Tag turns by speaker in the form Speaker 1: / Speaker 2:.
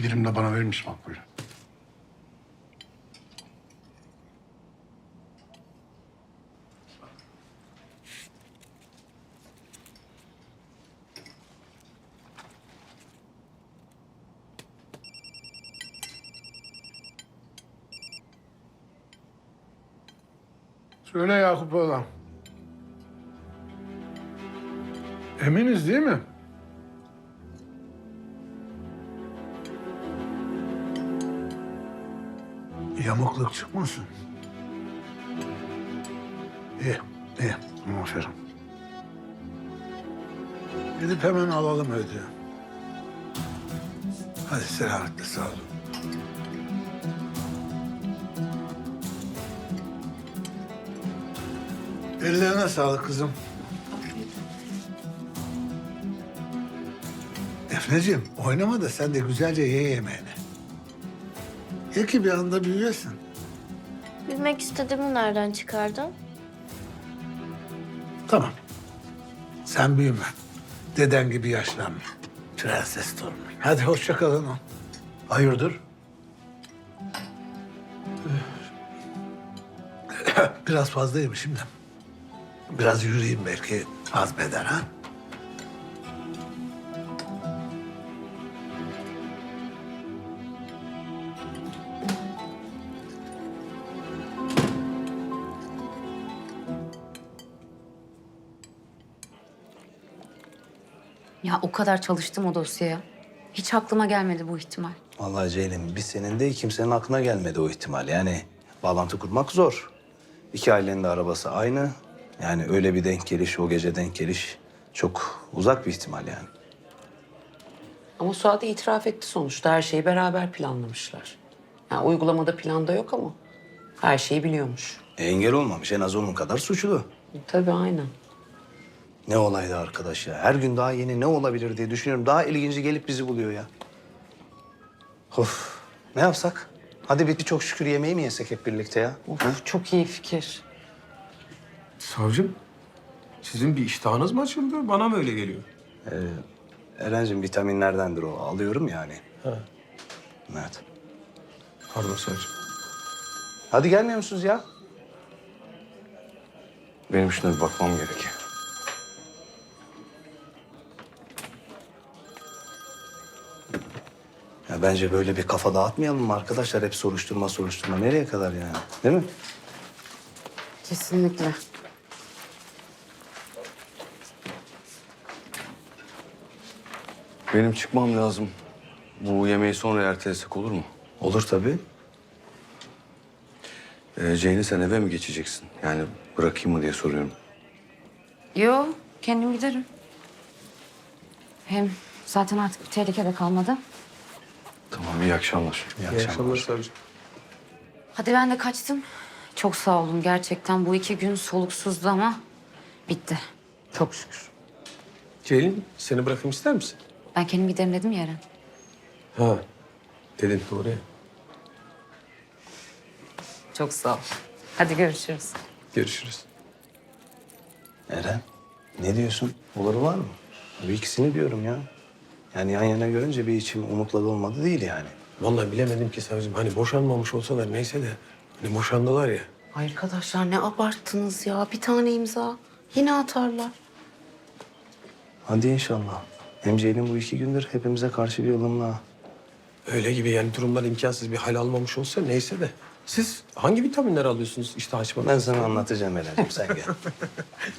Speaker 1: dilim de bana verir misin Makbule? Söyle Yakup oğlan. Eminiz değil mi? Yamukluk çıkmasın. İyi, iyi. Aferin. Gidip hemen alalım ödüğü. Hadi selametle sağ olun. Ellerine sağlık kızım. Defneciğim oynama da sen de güzelce ye yemeğini. Ye ki bir anda büyüyesin.
Speaker 2: Bilmek istediğimi nereden çıkardın?
Speaker 1: Tamam. Sen büyüme. Deden gibi yaşlanma. Prenses torunu. Hadi hoşça kalın. Hayırdır? Biraz fazla yemişim de. Biraz yürüyeyim belki hazmeder ha.
Speaker 3: Ya o kadar çalıştım o dosyaya. Hiç aklıma gelmedi bu ihtimal.
Speaker 4: Vallahi Ceylin, biz senin de kimsenin aklına gelmedi o ihtimal. Yani bağlantı kurmak zor. İki ailenin de arabası aynı. Yani öyle bir denk geliş, o gece denk geliş çok uzak bir ihtimal yani.
Speaker 5: Ama Suat itiraf etti sonuçta. Her şeyi beraber planlamışlar. Yani uygulamada planda yok ama her şeyi biliyormuş.
Speaker 4: Engel olmamış, en az onun kadar suçlu.
Speaker 5: Tabii aynen.
Speaker 4: Ne olaydı arkadaş ya. Her gün daha yeni ne olabilir diye düşünüyorum. Daha ilginci gelip bizi buluyor ya. Of, ne yapsak? Hadi bir çok şükür yemeği mi yesek hep birlikte ya?
Speaker 5: Of, çok iyi fikir.
Speaker 6: Savcım, sizin bir iştahınız mı açıldı? Bana mı öyle geliyor?
Speaker 4: Erencim vitaminlerdendir o. Alıyorum yani.
Speaker 6: Ha.
Speaker 4: Evet.
Speaker 6: Pardon savcım.
Speaker 4: Hadi gelmiyor musunuz ya?
Speaker 6: Benim şuna bir bakmam gerekiyor.
Speaker 4: Ya bence böyle bir kafa dağıtmayalım mı arkadaşlar? Hep soruşturma. Nereye kadar yani? Değil mi?
Speaker 5: Kesinlikle.
Speaker 7: Benim çıkmam lazım. Bu yemeği sonra ertelesek olur mu?
Speaker 4: Olur tabii.
Speaker 7: Ceylin sen eve mi geçeceksin? Yani bırakayım mı diye soruyorum.
Speaker 3: Yo, kendim giderim. Hem zaten artık bir tehlike de kalmadı.
Speaker 7: Tamam, iyi akşamlar.
Speaker 6: İyi akşamlar savcım.
Speaker 3: Hadi ben de kaçtım. Çok sağ olun gerçekten. Bu 2 gün soluksuzdu ama bitti. Çok şükür.
Speaker 6: Ceylin, seni bırakayım ister misin?
Speaker 3: Ben kendim giderim dedim ya Eren.
Speaker 6: Ha, dedin doğru ya.
Speaker 3: Çok sağ ol. Hadi görüşürüz.
Speaker 6: Görüşürüz.
Speaker 4: Eren, ne diyorsun? Olur var mı? Bu ikisini diyorum ya. Yani yan yana görünce bir içim umutla dolmadı değil yani.
Speaker 6: Vallahi bilemedim ki savcım. Hani boşanmamış olsalar neyse de... Hani boşandılar ya.
Speaker 5: Arkadaşlar ne abarttınız ya. Bir tane imza. Yine atarlar.
Speaker 4: Hadi inşallah. Hem Ceylin bu 2 gündür hepimize karşı bir ılımlı ha.
Speaker 6: Öyle gibi yani durumlar imkansız bir hal almamış olsa neyse de. Siz hangi vitaminler alıyorsunuz işte açmadan?
Speaker 4: Ben sana anlatacağım Eren'cim sen gel.